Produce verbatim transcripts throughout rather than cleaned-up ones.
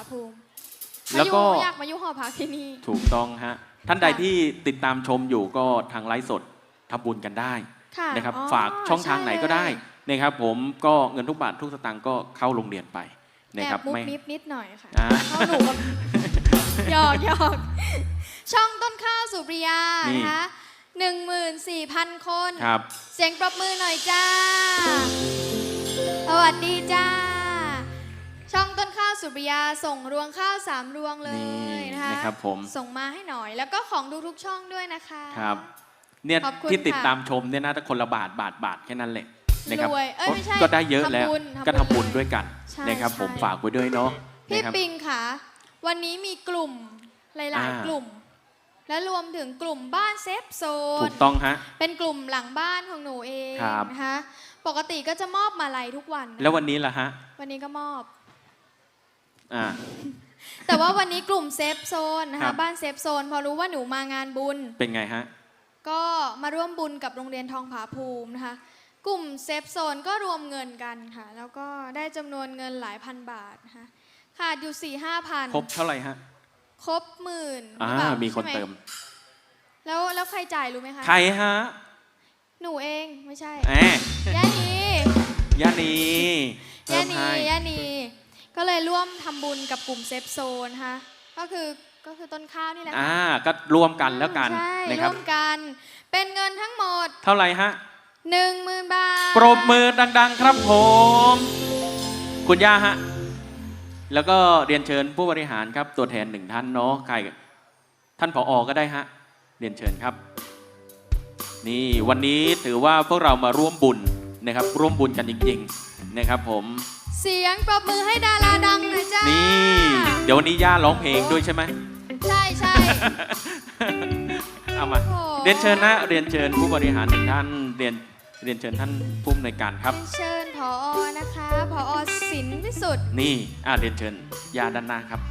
ภูมิแล้วก็อยากมายุหอพักที่นี่ถูกต้องฮะท่านใดที่ติดตามชมอยู่ก็ทางไลฟ์สดทำบุญกันได้นะครับฝากช่องทางไหนก็ได้นะครับผมก็เงินทุกบาททุกสตางค์ก็เข้าโรงเรียนไปนะครับไม่นิดนิดหน่อยค่ะเข้าหนูกับหยอกหยอกช่องต้นข้าวสุริยานะคะหนึ่งหมื่นสี่พันคนเสียงปรบมือหน่อยจ้าสวัสดีจ้าช่องต้นข้าวสุริยาส่งรวงข้าวสามรวงเลยนะคะนะครับผมส่งมาให้หน่อยแล้วก็ของดูทุกช่องด้วยนะคะครับเนี่ยที่ติดตามชมเนี่ยนะถ้าคนละบาทบาทบาทแค่นั้นแหละนะครับก็ได้เยอะแล้วก็ทำบุญด้วยกันนะครับผมฝากไว้ด้วยเนาะพี่ปิงค่ะวันนี้มีกลุ่มหลายๆกลุ่มและรวมถึงกลุ่มบ้านเซฟโซนถูกต้องฮะเป็นกลุ่มหลังบ้านของหนูเองนะคะปกติก็จะมอบมาลัยทุกวันแล้ววันนี้ล่ะฮะวันนี้ก็มอบอ่าแต่ว่าวันนี้กลุ่มเซฟโซนนะคะบ้านเซฟโซนพอรู้ว่าหนูมางานบุญเป็นไงฮะก็มาร่วมบุญกับโรงเรียนทองผาภูมินะคะกลุ่มเซฟโซนก็รวมเงินกันค่ะแล้วก็ได้จำนวนเงินหลายพันบาทนะคะขาดอยู่สี่ห้าพันครบเท่าไหร่ฮะครบหมื่นอ่ามีคนเติมแล้วแล้วใครจ่ายรู้ไหมคะใครฮะหนูเองไม่ใช่แหมย่านีย่านีย่านีย่านีก็เลยร่วมทำบุญกับกลุ่มเซฟโซนค่ะก็คือก็คือต้นข้าวนี่แหละอ่าก็รวมกันแล้วกันนะครับร่วมกันเป็นเงินทั้งหมดเท่าไหร่ฮะหนึ่งหมื่นบาทปรบมือดังๆครับผมคุณย่าฮะแล้วก็เรียนเชิญผู้บริหารครับตัวแทนหนึ่งท่านเนาะใครท่านผอ.ก็ได้ฮะเรียนเชิญครับนี่วันนี้ถือว่าพวกเรามาร่วมบุญนะครับร่วมบุญกันจริงๆนะครับผมเสียงปรบมือให้ดาราดังหน่อยจ้านี่เดี๋ยววันนี้ย่าร้องเพลงด้วยใช่ไหมใช่ใช่เอามาเรียนเชิญนะเรียนเชิญผู้บริหารหนึ่งท่านเรียนเรียนเชิญท่านผู้อำนวยการครับเชิญผอ.นะคะผอ.ศิลป์วิสุทธิ์นี่อ่าเรียนเชิญย่าด้านหน้าครับ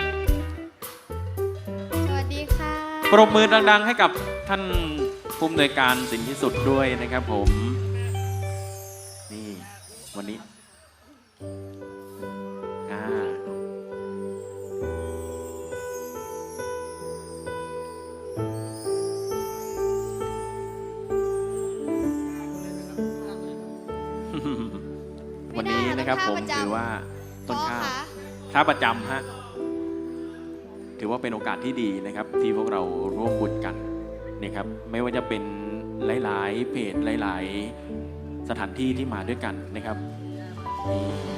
สวัสดีค่ะปรบมือดังๆให้กับท่านผู้อำนวยการศิลป์วิสุทธิ์ด้วยนะครับผมนี่วันนี้อ่าวันนี้นะครับผมถือว่าต้นข้าวค้าประจำฮะถือว่าเป็นโอกาสที่ดีนะครับที่พวกเราร่วมบุญกันนะครับไม่ว่าจะเป็นหลายๆเพจหลายๆสถานที่ที่มาด้วยกันนะครับนี่